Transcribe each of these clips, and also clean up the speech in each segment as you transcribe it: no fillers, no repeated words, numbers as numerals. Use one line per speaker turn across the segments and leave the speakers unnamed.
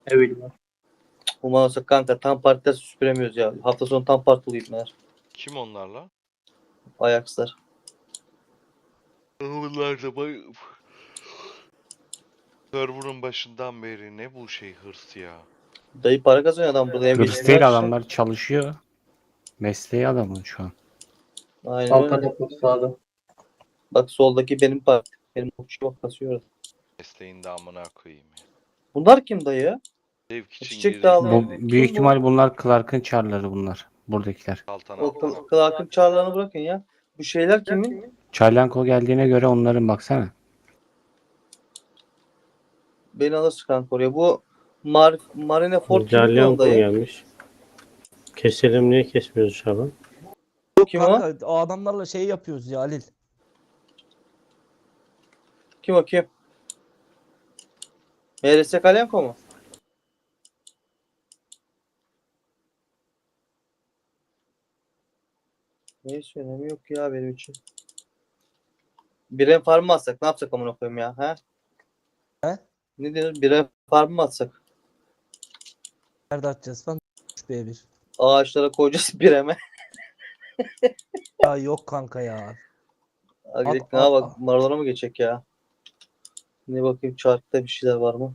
Evet.
Ulan olsa kanka tam partide süpüremiyoruz ya. Hafta sonu tam partılıyım meğer.
Kim onlarla?
Ajax'lar.
Bunlar da server'ın başından beri ne bu şey hırs ya.
Dayı para kazanıyor adam burada.
Hırs değil, adamlar çalışıyor. Mesleği adamın şu an.
Aynen
Altan
öyle.
yapıp sağda.
Bak soldaki benim parti. Benim okçu bak kasıyor.
Mesleğin de amına koyayım ya.
Bunlar kim dayı?
Zevk için
Çiçek
girdik
dağılıyor.
Bu,
dedik.
büyük
Kim bu?
ihtimal bunlar Clark'ın çarları bunlar. Buradakiler.
O Clark'ın çağrılarını bırakın ya. Bu şeyler kimin?
Çarlanko geldiğine göre onların baksana.
Beni alırsın kanka oraya. Bu Marine Ford kimin
Jalyanko
dayı?
gelmiş. Keselim, niye kesmiyoruz Şaban?
Kim o?
Kanka o adamlarla şey yapıyoruz ya Halil.
Kim o kim? MRS Kalyanko mu? Neyse önemi yok ya benim için. Birem farm mı atsak? Ne yapsak amına koyayım ya? He?
He?
Ne diyorsun? Birem farm mı atsak?
Nerede atacağız falan? B1.
Ağaçlara koyacağız bireme.
Ya yok kanka ya.
Agrik
At,
ne
at,
bak
at.
Maradona mı geçecek ya? Ne bakayım çarkta bir şeyler var mı?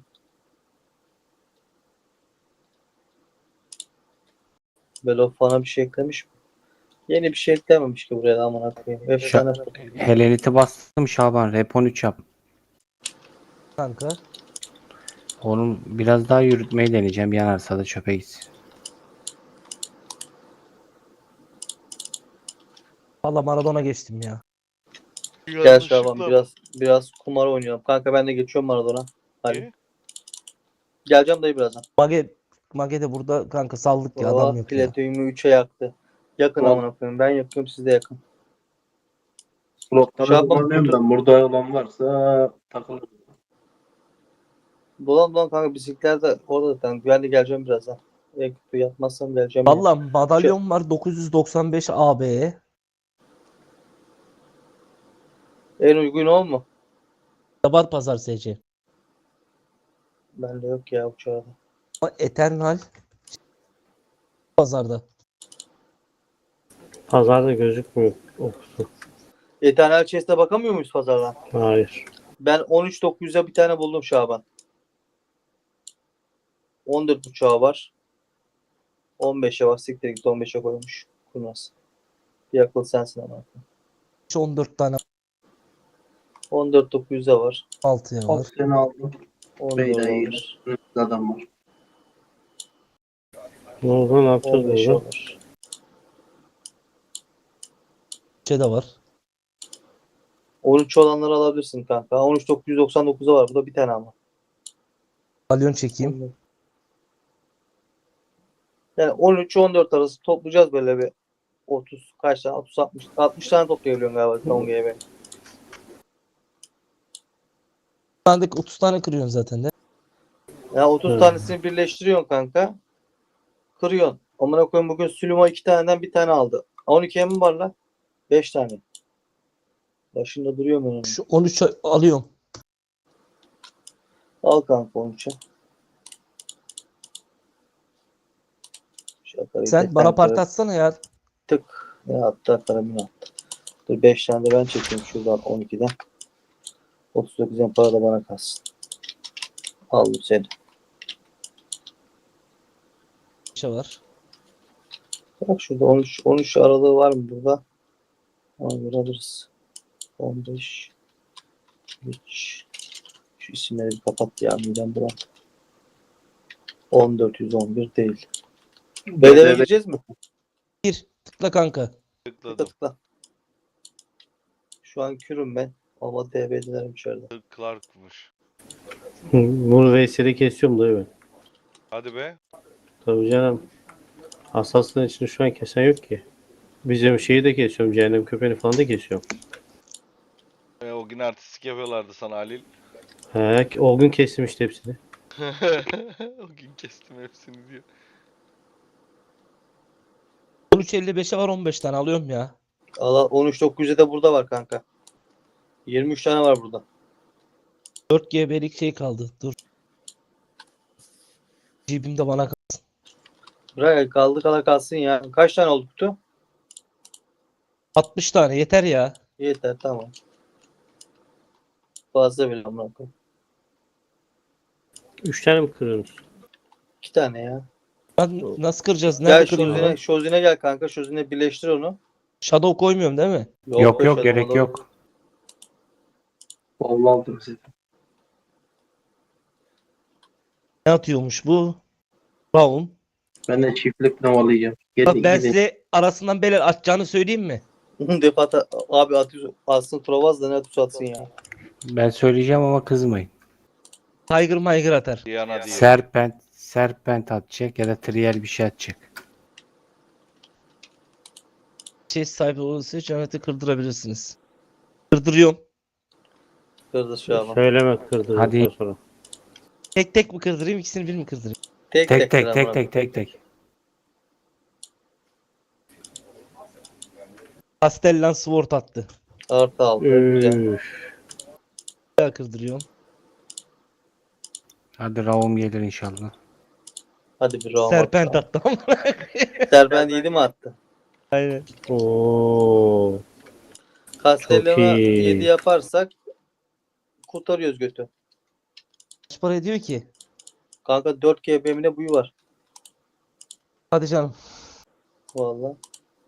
Böyle falan bir şey eklemiş mi? Yeni bir şey eklememiş ki buraya da amına koyayım. Efsane.
Helenit'i bastım Şaban. Rep 13 yap.
Kanka.
Onu biraz daha yürütmeyi deneyeceğim. Yanarsa da çöpe gitsin.
Valla Maradona geçtim ya.
Gel Şaban biraz kumar oynayalım. Kanka ben de geçiyorum Maradona. Hadi.
İyi.
Geleceğim dayı birazdan.
Mage de burada kanka saldık ya,
Oh,
adam yok ya.
Platonumu 3'e yaktı. Yakın
Ulan.
amına koyayım. Ben yakıyorum siz de yakın.
Slotları
Şaban,
kullanıyorum da burada olan varsa takılır.
Dolan kanka bisikletler de orada zaten. Ben de geleceğim birazdan. Ekipte yatmazsam geleceğim.
Valla madalyon var 995 AB.
En uygun o mu?
Var pazar SC.
Bende yok ya uçağda.
Ama Eternal pazarda.
Pazarda gözükmüyor okusu.
Eternal Chest'e bakamıyor muyuz pazardan?
Hayır.
Ben 13.900'e bir tane buldum Şaban. 14 uçağı var. 15'e var. Siktir git 15'e koymuş. Kurnaz. Bir akıl sensin ama.
14 tane
14.900'e var.
6'ya var.
Seni aldım.
14
Beyda'yı
var.
adam var.
Ne oldu, ne yapacağız
15'e
burada?
var.
Şey de var.
13 olanları alabilirsin kanka. 13.999'a var. Bu da bir tane ama.
Madalyon çekeyim.
Yani 13-14 arası toplayacağız böyle bir 30 kaç tane 60 tane toplayabiliyorsun galiba Tonga'ya ben.
Sen de 30 tane kırıyorsun zaten de.
Yani 30 tanesini birleştiriyorsun kanka. Kırıyorsun. Amına koyayım bugün Süleyman 2 taneden bir tane aldı. 12'ye mi var lan? 5 tane. Başında duruyor mu onun?
Şu 13 alıyorum.
Al kanka 13'e.
Sen bana part atsana ya.
Tık. Ne attı? Karabini attı. Dur 5 tane de ben çekeyim şuradan 12'den. 39'dan para da bana kalsın. Aldım seni.
Şey var.
Bak şurada 13 aralığı var mı burada? Ona göre alırız. 15 3 şu isimleri bir kapat ya midem bulan. 1411 değil. BDV'ye gireceğiz mi?
Bir tıkla kanka.
Tıkla
Tıkladım.
tıkla. Şu an kürüm ben. Ama DB'lilerim içeride.
Clark'mış.
Bunu Veysel'i kesiyorum dayı ben.
Hadi be.
Tabii canım. Hassasın içinde şu an kesen yok ki. Bizim şeyi de kesiyorum. Cehennem köpeğini falan da kesiyorum.
O gün artistik yapıyorlardı sana Halil.
He, o gün kestim işte hepsini.
O gün kestim hepsini diyor.
13.55'e var 15 tane alıyorum ya.
Allah 13.900'e de burada var kanka. 23 tane var burada.
4 GB'lik şey kaldı. Dur. Cebimde bana
Bırak kaldı kala kalsın ya. Kaç tane oldu kutu?
60 tane yeter ya.
Yeter tamam. Fazla bile amına koyayım.
3 tane mi kırıyorsunuz?
2 tane ya.
Lan nasıl kıracağız?
Gel
Nerede kırıyoruz lan?
Şozine gel kanka. Şozine birleştir onu.
Shadow koymuyorum değil mi?
Yok
be
yok
Shadow,
gerek
Shadow.
yok.
Bol aldım size.
Ne atıyormuş bu? Brown.
Ben de çiftlik novalayacağım.
Bak
Gelin
ben
gidin.
size arasından beler atacağını söyleyeyim mi?
Defata abi atıyor. Atsın Trovaz da ne atıyorsa atsın ya.
Ben söyleyeceğim ama kızmayın.
Tiger Miger atar.
Diana diye.
Serpent atacak ya da Trial bir şey atacak.
Chest sahibi olursa cenneti kırdırabilirsiniz. Kırdırıyorum.
Kırdı şu an.
Söyleme kırdırdıktan
Hadi.
sonra.
Tek tek mi kırdırayım, ikisini bir mi kırdırayım?
Tek
Tek
kır amına
tek.
Castellan Sword attı.
Artı aldı. Güzel.
Üf.
Bir daha kırdırıyorum.
Hadi Raum gelir inşallah.
Hadi bir roam
Serpent
attı.
attı.
Serpent 7 mi attı?
Aynen.
Oo.
Castellana
Çok iyi.
7 yaparsak kurtarıyoruz götü.
Kaç para ediyor ki?
Kanka 4 GB'mine buyu var.
Hadi canım.
Vallahi.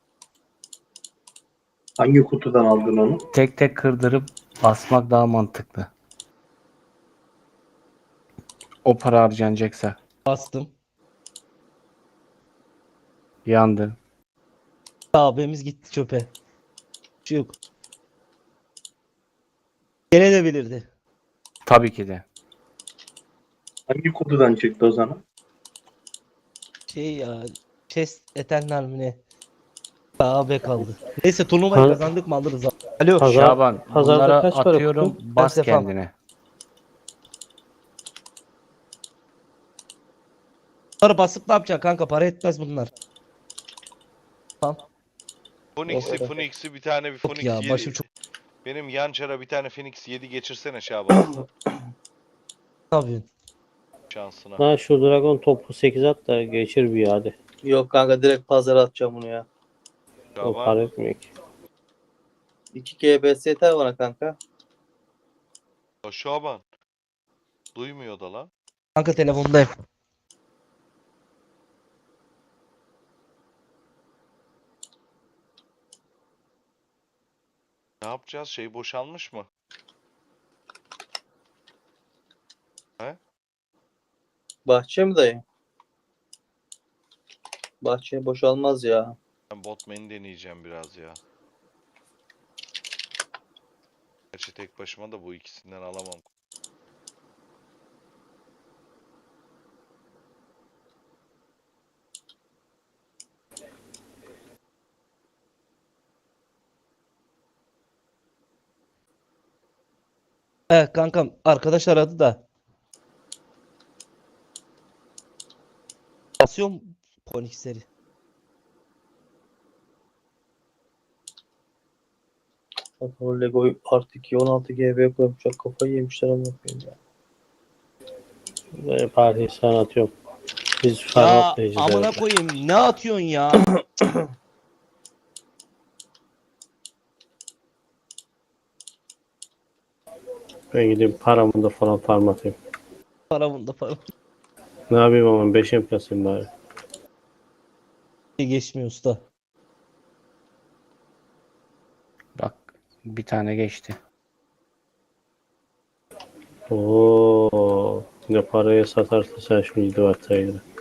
Hangi kutudan aldın onu?
Tek tek kırdırıp basmak daha mantıklı. O para harcanacaksa.
Bastım.
Yandı.
Abimiz gitti çöpe. Bir şey yok. Gene de bilirdi.
Tabii ki de.
Hangi kutudan çıktı o zaman?
Şey ya. Chest Eternal mi ne? Daha kaldı. Neyse turnuvayı
Ha-
kazandık mı alırız abi. Alo.
Pazar-
Şaban
pazarda
bunlara
kaç para
atıyorum
kutu?
bas
Kaç defa?
kendine.
Bunları basıp ne yapacaksın kanka? Para etmez bunlar.
Phoenix'i bir tane bir
Yok
Phoenix
ya
7.
başım çok
Benim yan çara bir tane Phoenix 7 geçirsene Şaban
ne yapıyorsun?
şansına.
Lan şu Dragon topu 8 at da geçir bir hadi.
Yok kanka direkt pazara atacağım bunu ya.
O para
Şaban.
etmiyor ki.
2 GBS yeter bana kanka.
O Şaban. Duymuyor da lan.
Kanka telefondayım.
Ne yapacağız? Şey boşalmış mı?
Bahçe mi dayı? Bahçe boşalmaz ya.
Ben Botman'i deneyeceğim biraz ya. Gerçi tek başıma da bu ikisinden alamam.
Kankam arkadaş aradı da. Basıyorum Phoenix'leri.
O Lego artı 2 16 GB koymuşlar. Kafayı yemişler ama ya.
Böyle partiyi sana atıyorum. Biz
Ya
falan atlayacağız.
amına
herhalde.
koyayım ne atıyorsun ya?
Ben gideyim paramı da falan farm atayım.
Para bunda para.
Ne yapayım ama 5 enflasyon bari.
Geçmiyor usta.
Bak bir tane geçti.
Oo, ne paraya satarsa sen şu 7 watt sayılır.